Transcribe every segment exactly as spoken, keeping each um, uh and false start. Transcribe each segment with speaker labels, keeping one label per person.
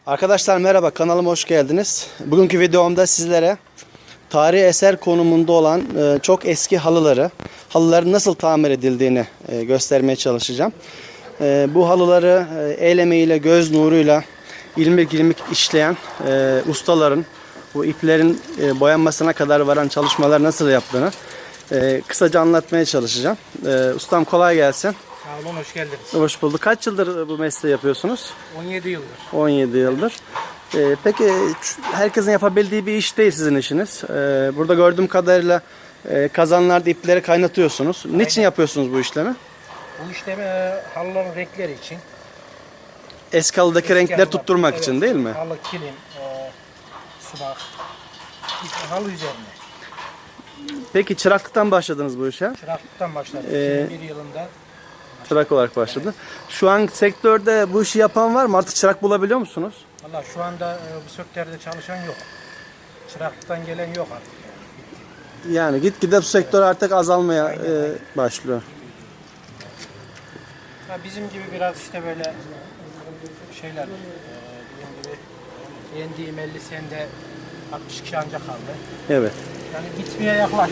Speaker 1: Arkadaşlar merhaba, kanalıma hoş geldiniz. Bugünkü videomda sizlere tarihi eser konumunda olan e, çok eski halıları, halıların nasıl tamir edildiğini e, göstermeye çalışacağım. E, bu halıları e, el emeğiyle, göz nuruyla ilmik ilmik işleyen e, ustaların bu iplerin e, boyanmasına kadar varan çalışmalar nasıl yaptığını e, kısaca anlatmaya çalışacağım. E, ustam kolay gelsin.
Speaker 2: Sağ olun, hoş geldiniz.
Speaker 1: Hoş bulduk. Kaç yıldır bu mesleği yapıyorsunuz?
Speaker 2: on yedi yıldır.
Speaker 1: on yedi yıldır. Ee, peki herkesin yapabildiği bir iş değil sizin işiniz. Ee, burada gördüğüm kadarıyla e, kazanlarda ipleri kaynatıyorsunuz. Aynen. Niçin yapıyorsunuz bu işlemi?
Speaker 2: Bu işlemi e, halıların renkleri için.
Speaker 1: Eski halıdaki
Speaker 2: Eski
Speaker 1: renkleri
Speaker 2: halılar,
Speaker 1: tutturmak
Speaker 2: evet,
Speaker 1: için değil mi?
Speaker 2: Halı, kilim, e, sumak, halı üzerine.
Speaker 1: Peki çıraklıktan başladınız bu işe?
Speaker 2: Çıraklıktan başladık.
Speaker 1: Ee,
Speaker 2: iki bin bir yılında.
Speaker 1: Çırak olarak başladı. Evet. Şu an sektörde bu işi yapan var mı? Artık çırak bulabiliyor musunuz?
Speaker 2: Valla şu anda e, bu sektörde çalışan yok. Çıraklıktan gelen yok artık.
Speaker 1: Yani gitgide bu sektör artık azalmaya e, başlıyor.
Speaker 2: Ha, bizim gibi biraz işte böyle şeyler, e, bizim gibi yendiğim elli senede altmış kişi ancak kaldı.
Speaker 1: Evet.
Speaker 2: Yani gitmeye yaklaştı.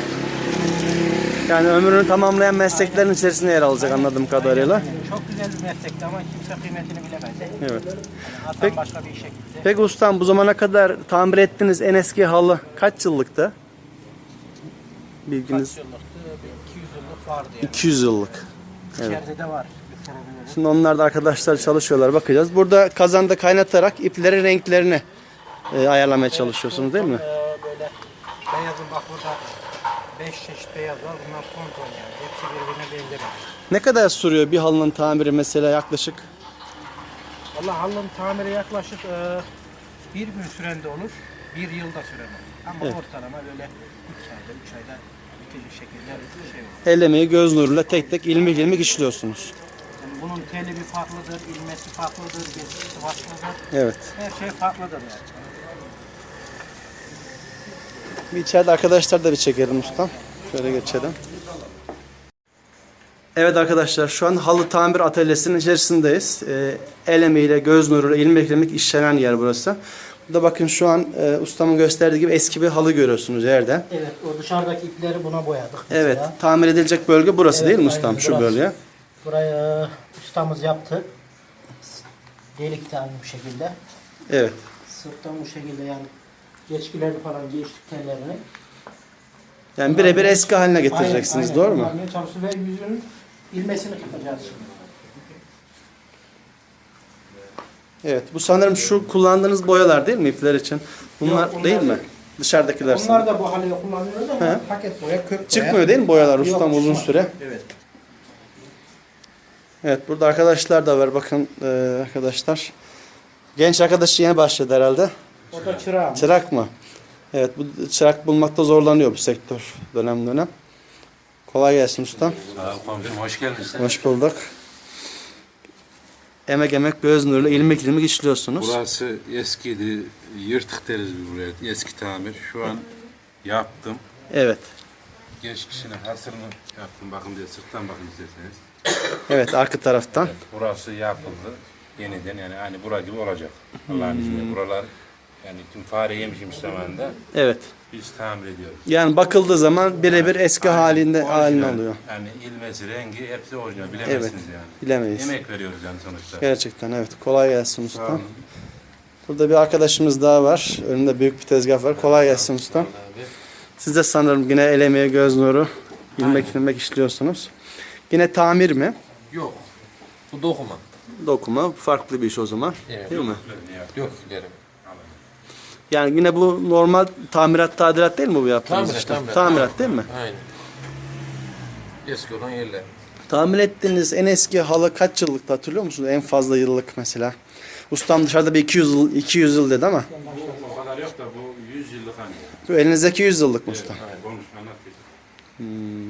Speaker 1: Yani ömrünü tamamlayan mesleklerin aynen içerisinde yer alacak, aynen anladığım kadarıyla.
Speaker 2: Aynen. Çok güzel bir meslekti ama kimse kıymetini bilemedi.
Speaker 1: Evet.
Speaker 2: Yani
Speaker 1: Peki,
Speaker 2: başka bir işe gitti.
Speaker 1: Peki ustam, bu zamana kadar tamir ettiğiniz en eski halı kaç yıllıktı? Bilginiz?
Speaker 2: Kaç yıllıktı? iki yüz yıllık vardı yani.
Speaker 1: iki yüz yıllık.
Speaker 2: İçeride
Speaker 1: Evet.
Speaker 2: de var.
Speaker 1: Şimdi onlar da arkadaşlar çalışıyorlar, bakacağız. Burada kazanda kaynatarak iplerin renklerini e, ayarlamaya evet, çalışıyorsunuz değil mi?
Speaker 2: E, böyle beyazın bak burada beş çeşit beyaz var. Bunlar ton ton yani. Hepsi birbirine benzemez.
Speaker 1: Ne kadar sürüyor bir halının tamiri mesela yaklaşık?
Speaker 2: Vallahi halının tamiri yaklaşık e, bir gün sürende olur. Bir yılda süren olur. Ama evet, ortalama böyle iki ayda, üç ayda bitecek şekilde bir şey olur.
Speaker 1: El emeği, göz nuruyla tek tek ilmik ilmik işliyorsunuz.
Speaker 2: Yani bunun teli bir farklıdır, ilmesi farklıdır, geçişi farklıdır.
Speaker 1: Evet.
Speaker 2: Her şey farklıdır yani.
Speaker 1: Bir içeride arkadaşlar da bir çekelim ustam. Şöyle geçelim. Evet arkadaşlar, şu an halı tamir atölyesinin içerisindeyiz. Ee, el emeğiyle, göz nuruyla ilmek ilmek işlenen yer burası. Burada bakın şu an e, ustamın gösterdiği gibi eski bir halı görüyorsunuz yerde.
Speaker 2: Evet, o dışarıdaki ipleri buna boyadık mesela.
Speaker 1: Evet, tamir edilecek bölge burası evet, değil mi ustam?
Speaker 2: Aynen,
Speaker 1: şu
Speaker 2: burası.
Speaker 1: bölge.
Speaker 2: Burayı ustamız yaptı. Delik tane bu şekilde.
Speaker 1: Evet.
Speaker 2: Sırttan bu şekilde yani geçkileri falan geçtik tellerini.
Speaker 1: Yani birebir eski haline getireceksiniz, aynen, doğru mu?
Speaker 2: Çalışır ve yüzünün ilmesini tutacağız şimdi.
Speaker 1: Evet, bu sanırım şu kullandığınız boyalar değil mi ipler için? Bunlar, Yok, bunlar değil mi? Dışarıdakiler.
Speaker 2: Onlar da bu halde kullanılıyor ama he, paket boya, kök boya.
Speaker 1: Çıkmıyor değil mi boyalar ustam
Speaker 2: Yok,
Speaker 1: uzun süre?
Speaker 2: Evet.
Speaker 1: Evet, burada arkadaşlar da var bakın e, arkadaşlar. Genç arkadaş yeni başladı herhalde.
Speaker 2: O da çırak.
Speaker 1: Çırak mı? Evet, bu çırak bulmakta zorlanıyor bu sektör dönem dönem. Kolay gelsin ustam.
Speaker 3: Sağ ol komiserim, hoş geldiniz.
Speaker 1: Hoş bulduk. Emek emek göz nuruyla ilmek ilmek işliyorsunuz.
Speaker 3: Burası eskiydi, yırtık deriz biz buraya, eski tamir. Şu an yaptım.
Speaker 1: Evet.
Speaker 3: Geç kişinin hasırını yaptım, bakın diye sırttan bakın isterseniz.
Speaker 1: Evet, arka taraftan.
Speaker 3: Evet, burası yapıldı yeniden, yani aynı bura gibi olacak. Allah'ın hmm. izniyle buralar, yani tüm fare yemişim zamanında.
Speaker 1: Evet.
Speaker 3: Biz tamir ediyoruz.
Speaker 1: Yani bakıldığı zaman birebir eski aynen, halinde haline oluyor.
Speaker 3: Yani ilmesi, rengi hepsi orijinal. Bilemezsiniz
Speaker 1: evet,
Speaker 3: yani.
Speaker 1: Bilemeyiz.
Speaker 3: Emek veriyoruz yani sonuçta.
Speaker 1: Gerçekten evet. Kolay gelsin usta. Burada bir arkadaşımız daha var. Önünde büyük bir tezgah var. Kolay gelsin usta. Siz de sanırım yine el emeği, göz nuru, ilmek ilmek işliyorsunuz. Yine tamir mi?
Speaker 4: Yok. Bu dokuma.
Speaker 1: Dokuma. Farklı bir iş o zaman.
Speaker 4: Evet.
Speaker 1: Değil mi?
Speaker 4: Yok derim.
Speaker 1: Yani yine bu normal tamirat, tadilat değil mi bu yaptığınız
Speaker 4: Tamirat,
Speaker 1: işte?
Speaker 4: tamirat.
Speaker 1: Tamirat değil mi?
Speaker 4: Aynen. Eski olan yerler.
Speaker 1: Tamir ettiğiniz en eski halı kaç yıllıkta hatırlıyor musunuz? En fazla yıllık mesela. Ustam dışarıda bir iki yüz yıl, iki yüz yıl dedi ama.
Speaker 3: Bu o kadar yok da bu yüz yıllık hani.
Speaker 1: Bu elinizdeki yüz yıllık mı usta?
Speaker 3: Evet, konuşma anlat.
Speaker 1: Hmm.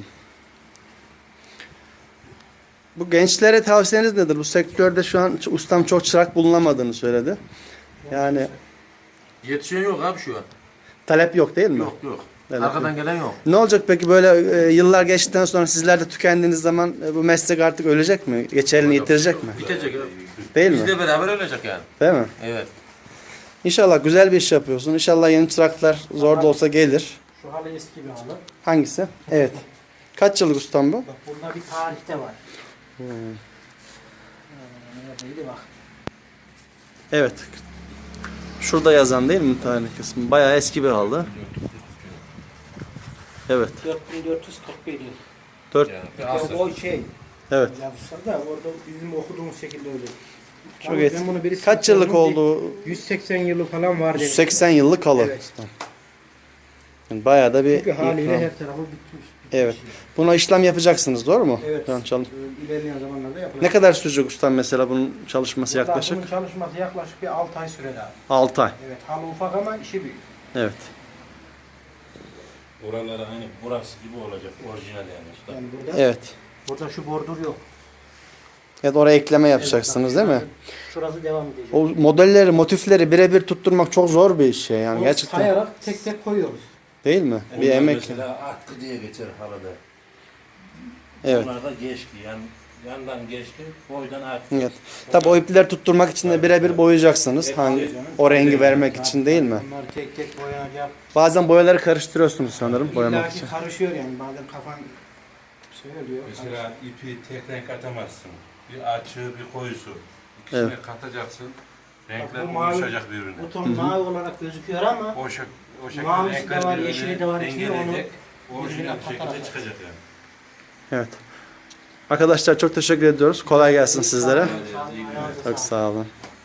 Speaker 1: Bu gençlere tavsiyeniz nedir? Bu sektörde şu an ustam çok çırak bulunamadığını söyledi. Yani
Speaker 4: Yetişen yok abi şu an.
Speaker 1: talep yok değil mi?
Speaker 4: Yok yok.
Speaker 1: Böyle.
Speaker 4: Arkadan gelen yok.
Speaker 1: Ne olacak peki böyle e, yıllar geçtikten sonra sizler de tükendiğiniz zaman e, bu meslek artık ölecek mi? Geçerini yitirecek mi?
Speaker 4: Bitecek ya.
Speaker 1: Değil mi?
Speaker 4: Bizle beraber ölecek yani.
Speaker 1: Değil mi?
Speaker 4: Evet.
Speaker 1: İnşallah güzel bir iş yapıyorsun. İnşallah yeni çıraklar zor da olsa gelir.
Speaker 2: Şu halı eski bir halı.
Speaker 1: Hangisi? Evet. Kaç yıllık ustam bu?
Speaker 2: Bak burada bir tarihte var.
Speaker 1: Hmm.
Speaker 2: Ee, neredeydi bak.
Speaker 1: Evet. Şurada yazan değil mi tarih kısmı? Bayağı eski bir halı. Evet.
Speaker 2: dört bin dört yüz kırk bir yıl.
Speaker 1: dört.
Speaker 4: Yani bir
Speaker 2: Ya
Speaker 4: asır.
Speaker 2: o şey
Speaker 1: Evet.
Speaker 2: yazmışlar da orada bizim okuduğumuz şekilde öyle.
Speaker 1: Çok
Speaker 2: Ama
Speaker 1: eski.
Speaker 2: ben bunu birisi
Speaker 1: Kaç yıllık
Speaker 2: sordum,
Speaker 1: oldu?
Speaker 2: bir yüz seksen yılı falan var demiş.
Speaker 1: yüz seksen yıllık halı.
Speaker 2: Evet.
Speaker 1: ustam. Yani bayağı da bir
Speaker 2: Çünkü haliyle
Speaker 1: ikram.
Speaker 2: her tarafı bitmiş.
Speaker 1: Evet. Buna işlem yapacaksınız, doğru mu?
Speaker 2: Evet.
Speaker 1: Şu an çalış-
Speaker 2: Ee, İlerleyen zamanlarda yapılacak.
Speaker 1: Ne kadar sürecek ustam mesela bunun çalışması
Speaker 2: Burada
Speaker 1: yaklaşık?
Speaker 2: Bunun çalışması yaklaşık bir altı ay sürer abi.
Speaker 1: altı ay.
Speaker 2: Evet, halı ufak ama işi büyük.
Speaker 1: Evet.
Speaker 3: Buraları aynı burası gibi olacak. Orijinal yani usta.
Speaker 2: Yani burada,
Speaker 1: Evet.
Speaker 2: burada şu bordür yok.
Speaker 1: Evet, oraya ekleme yapacaksınız değil mi?
Speaker 2: Şurası devam edecek.
Speaker 1: O modelleri, motifleri birebir tutturmak çok zor bir iş şey yani
Speaker 2: Onu
Speaker 1: gerçekten.
Speaker 2: sayarak tek tek koyuyoruz.
Speaker 1: Değil mi? Bir
Speaker 3: Bunlar
Speaker 1: emek.
Speaker 3: Mesela atkı diye geçer halıda.
Speaker 1: Evet.
Speaker 3: Bunlar da geçki. Yani yandan geçki, boydan atkı.
Speaker 1: Evet. Tabii o ipleri tutturmak için de birebir boyayacaksınız. Hangi o rengi vermek için değil mi?
Speaker 2: Bunlar tek tek boyanacak.
Speaker 1: Bazen boyaları karıştırıyorsunuz sanırım boyamak
Speaker 2: İlla ki
Speaker 1: için.
Speaker 2: karışıyor yani. Bazen kafan şey oluyor.
Speaker 3: Mesela ipi tek renk atamazsın. Bir açığı, bir koyusu. İkisini
Speaker 1: Evet.
Speaker 3: katacaksın.
Speaker 2: Bak,
Speaker 3: Renkler
Speaker 2: bu mavi-
Speaker 3: uyuşacak birbirine.
Speaker 2: Bu ton mavi olarak gözüküyor ama
Speaker 3: O, şek o şekilde
Speaker 2: Mavisi de
Speaker 3: renkler
Speaker 2: var,
Speaker 3: birbirini
Speaker 2: yeşili de var, içinde onu
Speaker 3: dengeleyecek. Orijinal
Speaker 2: birbirine
Speaker 3: şekilde
Speaker 2: katarak.
Speaker 3: çıkacak yani.
Speaker 1: Evet. Arkadaşlar çok teşekkür ediyoruz. Kolay gelsin sizlere.
Speaker 2: Sağ olun, ayağınıza
Speaker 1: Çok
Speaker 2: sağlık.
Speaker 1: sağ olun.